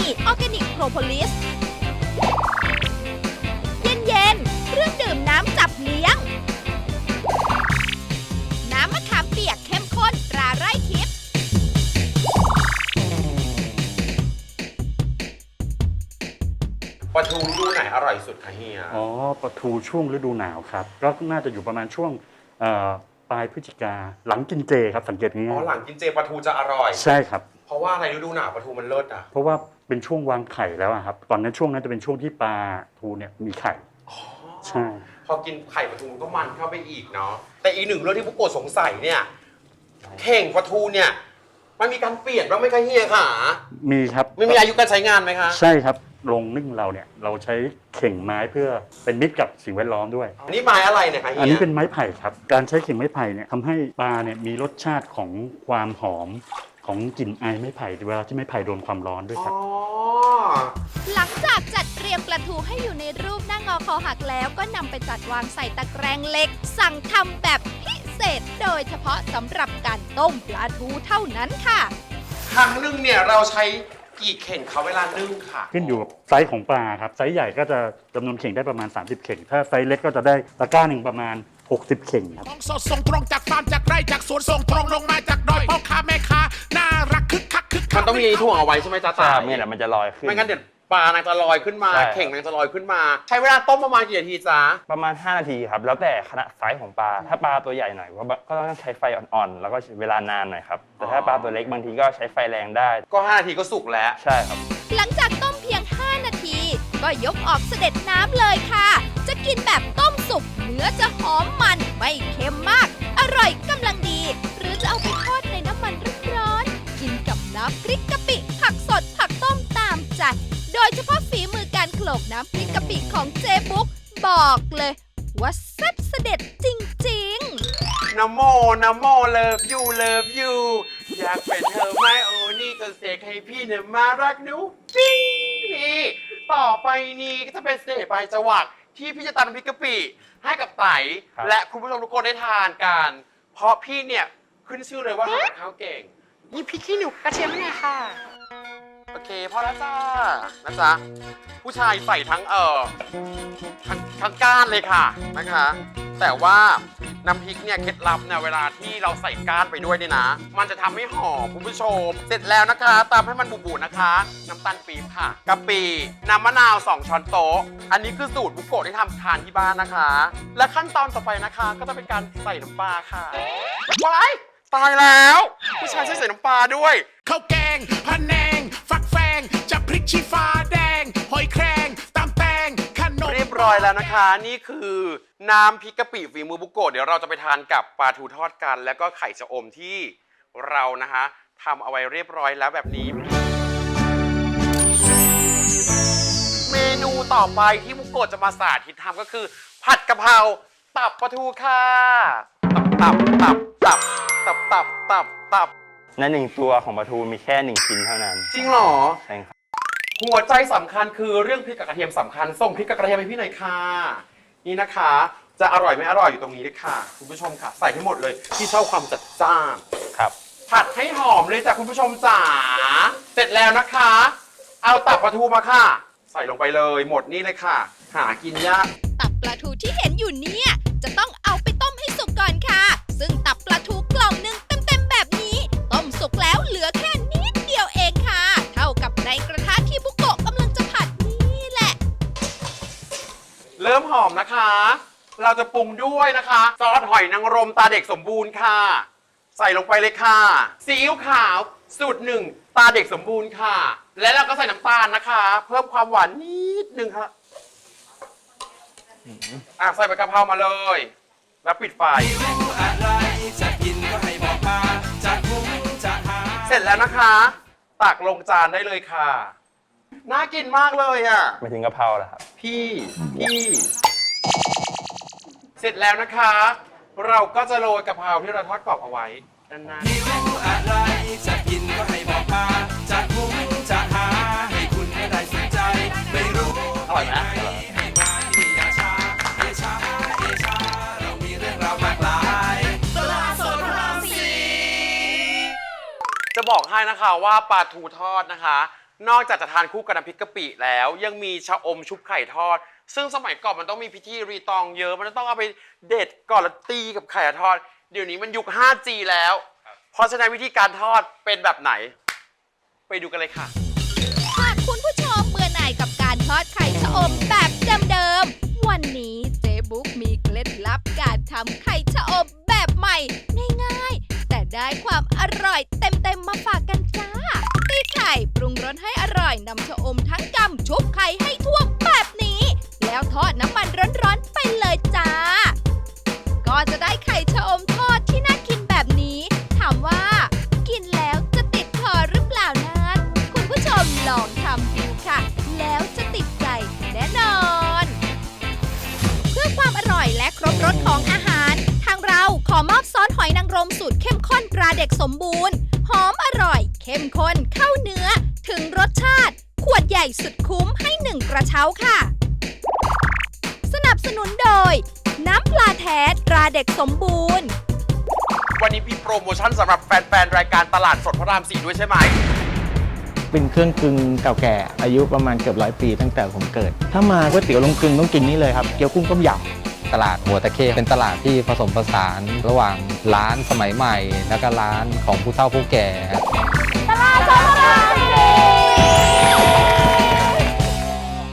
ออร์แกนิกโพรโพลิสเย็นๆเครื่องดื่มน้ำจับเลี้ยงน้ำมะขามเปียกเข้มข้นตราไร่ทิพย์ปลาทูฤดูไหนอร่อยสุดคะเฮียอ๋อปลาทูช่วงฤดูหนาวครับก็น่าจะอยู่ประมาณช่วงปลายพฤศจิกาหลังกินเจครับสังเกตง่ายๆหลังกินเจปลาทูจะอร่อยใช่ครับเพราะว่าอะไรฤดูหนาวปลาทูมันเลิศอ่ะเพราะว่าเป็นช่วงวางไข่แล้วครับตอนนั้นช่วงนั้นจะเป็นช่วงที่ปลาทูเนี่ยมีไข่ใช่พอกินไข่ปลาทูก็มันเข้าไปอีกเนาะแต่อีกหนึ่งเรื่องที่ผู้โกดสงสัยเนี่ยเข่งปลาทูเนี่ยมันมีการเปลี่ยนบ้างไหมคะเฮียค่ะมีครับไม่มีอายุการใช้งานไหมคะใช่ครับโรงนึ่งเราเนี่ยเราใช้เข่งไม้เพื่อเป็นมิตรกับสิ่งแวดล้อมด้วยอันนี้ไม้อะไรเนี่ยคะเฮียอันนี้เป็นไม้ไผ่ครับการใช้เข่งไม้ไผ่เนี่ยทำให้ปลาเนี่ยมีรสชาติของความหอมของกลิ่นไอไม้ไผ่เวลาที่ไม้ไผ่โดนความร้อนด้วยครับหลังจากจัดเตรียมปลาทูให้อยู่ในรูปหน้างอคอหักแล้วก็นำไปจัดวางใส่ตะแกรงเหล็กสั่งทำแบบพิเศษโดยเฉพาะสำหรับการต้มปลาทูเท่านั้นค่ะครั้งนึงเนี่ยเราใช้กี่เข่งเขาเวลานึ่งค่ะขึ้นอยู่กับไซส์ของปลาครับไซส์ใหญ่ก็จะจำนวนเข่งได้ประมาณ30เข่งถ้าไซส์เล็กก็จะได้ตะกร้าหนึ่งประมาณ60เข่งครับสดส่งตรงจากฟาร์มจากไร่จากสวนส่งตรงลงมาจากดอยพ่อค้าแม่ค้าน่ารักคึกคักมันต้องมีถ่วงเอาไว้ใช่ไหมจ๊ะนี่แหละมันจะลอยขึ้นไม่งั้นเดี๋ยวปลานางจะลอยขึ้นมาเข่งนางจะลอยขึ้นมาใช้เวลาต้มประมาณกี่นาทีจ๊ะประมาณ5นาทีครับแล้วแต่ขนาดไซส์ของปลาถ้าปลาตัวใหญ่หน่อยก็ต้องใช้ไฟอ่อนๆแล้วก็เวลานานหน่อยครับแต่ถ้าปลาตัวเล็กบางทีก็ใช้ไฟแรงได้ก็5นาทีก็สุกแล้วใช่ครับหลังจากต้มเพียง5นาทีก็ยกออกเสด็จน้ำเลยค่ะจะกินแบบต้มสุกเนื้อจะหอมมันไม่เค็มมากอร่อยกำลังดีหรือจะเอาไปทอดในน้ำมันร้อนๆกินกับน้ำพริกกะปิผักสดผักต้มตามใจโดยเฉพาะฝีมือการโขลกน้ำพริกกะปิของเจ๊บุ๊กบอกเลยว่าแซ่บเสด็จจริงๆนะโมเลิฟยูอยากเป็นเธอไหมโอ้นี่ก็เสกให้พี่เนี่ยมารักหนูปิ้งนี่ต่อไปนี้ก็จะเป็นเสกปลายจวักที่พี่จะตำน้ำพริกกะปิให้กับไต่และคุณผู้ชมทุกคนได้ทานกันเพราะพี่เนี่ยขึ้นชื่อเลยว่าทำกับข้าวเก่งนี่พริกขี้หนูกระเทียมให้หน่อยค่ะโอเคพอแล้วจ้านะจ๊ะผู้ชายใส่ทั้งทั้งก้านเลยค่ะนะคะแต่ว่าน้ำพริกเนี่ยเคล็ดลับเนี่ยเวลาที่เราใส่ก้านไปด้วยเนี่ยนะมันจะทำให้หอมคุณผู้ชมเสร็จแล้วนะคะตามให้มันบุบๆนะคะน้ำตาลปี๊บค่ะกะปิน้ำมะนาว2ช้อนโต๊ะอันนี้คือสูตรบุกโกะที่ทำทานที่บ้านนะคะและขั้นตอนต่อไปนะคะก็จะเป็นการใส่น้ำปลาค่ะว้ายตายแล้วผู้ชายใส่น้ำปลาด้วยข้าวแกงพะแนงฟักแฟงจะพริกชี้ฟ้าแดงหอยแครงตำแตงขนมเรียบร้อยแล้วนะคะนี่คือน้ำพริกกะปิฝีมือบุกโกะเดี๋ยวเราจะไปทานกับปลาทูทอดกันแล้วก็ไข่ชะอมที่เรานะคะทำเอาไว้เรียบร้อยแล้วแบบนี้เมนูต่อไปที่บุกโกะจะมาสาธิตทำก็คือผัดกะเพราตับปลาทูค่ะตับใน1ตัวของปลาทูมีแค่1ชิ้นเท่านั้นจริงเหรอใช่ครับหัวใจสำคัญคือเรื่องพริกกับกระเทียมสำคัญส่งพริกกับกระเทียมให้พี่หน่อยค่ะนี่นะคะจะอร่อยไม่อร่อยอยู่ตรงนี้เลยค่ะคุณผู้ชมค่ะใส่ให้หมดเลยที่ชอบความจัดจ้านครับผัดให้หอมเลยจ้ะคุณผู้ชมจ๋าเสร็จแล้วนะคะเอาตับปลาทูมาค่ะใส่ลงไปเลยหมดนี่เลยค่ะหากินยากตับปลาทูที่เห็นอยู่เนี่ยจะต้องเอาไปต้มให้สุกก่อนค่ะซึ่งตับปลาทูกล่องนึงเต็มๆแบบนี้ต้มสุกแล้วเหลือแค่นิดเดียวเองค่ะเท่ากับในกระทะที่บุกโกะกำลังจะผัดนี่แหละเริ่มหอมนะคะเราจะปรุงด้วยนะคะซอสหอยนางรมตาเด็กสมบูรณ์ค่ะใส่ลงไปเลยค่ะซีอิ๊วขาวสูตร1ตาเด็กสมบูรณ์ค่ะและเราก็ใส่น้ำตาลนะคะเพิ่มความหวานนิดนึงค่ะใส่ใบกะเพรามาเลยแล้วปิดไฟเสร็จแล้วนะคะตักลงจานได้เลยค่ะน่ากินมากเลยอ่ะไม่ถึงกะเพราเหรอครับพี่เสร็จแล้วนะคะเราก็จะโรยกะเพราที่เราทอดกรอบเอาไว้ด้านหน้าหิวอะไรจะกินก็ให้บอกมาจะคุ้มจะหาให้คุณไม่ได้สนใจไม่รู้อร่อยไหมให้มาที่อย่าช้าเรามีเรื่องราวมากมายตลาดสดพระราม4จะบอกให้นะคะว่าปลาทูทอดนะคะนอกจากจะทานคู่กับน้ำพริกกะปิแล้วยังมีชะอมชุบไข่ทอด ซึ่งสมัยก่อนมันต้องมีพิธีรีตองเยอะมันต้องเอาไปเด็ดก่อนแล้วตีกับไข่ทอดเดี๋ยวนี้มันยุค 5G แล้วเพราะฉะนั้นวิธีการทอดเป็นแบบไหนไปดูกันเลยค่ะหากคุณผู้ชมเบื่อหน่ายกับการทอดไข่ชะอมแบบเดิมๆ วันนี้เจ๊บุ๊กมีเคล็ดลับการทำไข่ชะอมแบบใหม่ง่ายๆ แต่ได้ความอร่อยเต็มๆมาฝากกันจ้า ตีไข่ปรุงรสให้อร่อยนำชะอมทั้งกำชุบไข่ให้ท่วมแบบนี้ แล้วทอดน้ำมันร้อนๆไปเลยจ้า ก็จะได้ไข่ชะอมทอดที่น่ากินแบบนี้ ถามว่า กินแล้วจะติดคอหรือเปล่านั้นคุณผู้ชมลองทำดูค่ะ แล้วจะติดใจแน่นอน เพื่อความอร่อยและครบรสของอาหาร ทางเราขอมอบซอสหอยนางรมสูตรเข้มข้นตราเด็กสมบูรณ์ หอมอร่อย เข้มข้นเข้าเนื้อ ถึงรสชาติ ขวดใหญ่สุดคุ้มให้1กระเช้าค่ะ สนับสนุนโดย น้ำปลาแท้ตราเด็กสมบูรณ์วันนี้มีโปรโมชั่นสำหรับแฟนๆรายการตลาดสดพระราม 4ด้วยใช่ไหมเป็นเครื่องกึ่งเก่าแก่อายุประมาณเกือบ100 ปีตั้งแต่ผมเกิด ถ้ามาก๋วยเตี๋ยวลงกึ่งต้องกินนี่เลยครับเกี๊ยวกุ้งต้มยำตลาดหัวตะเข้เป็นตลาดที่ผสมผสานระหว่างร้านสมัยใหม่ แล้วก็ร้านของผู้เฒ่าผู้แก่ตลาดสดพระราม 4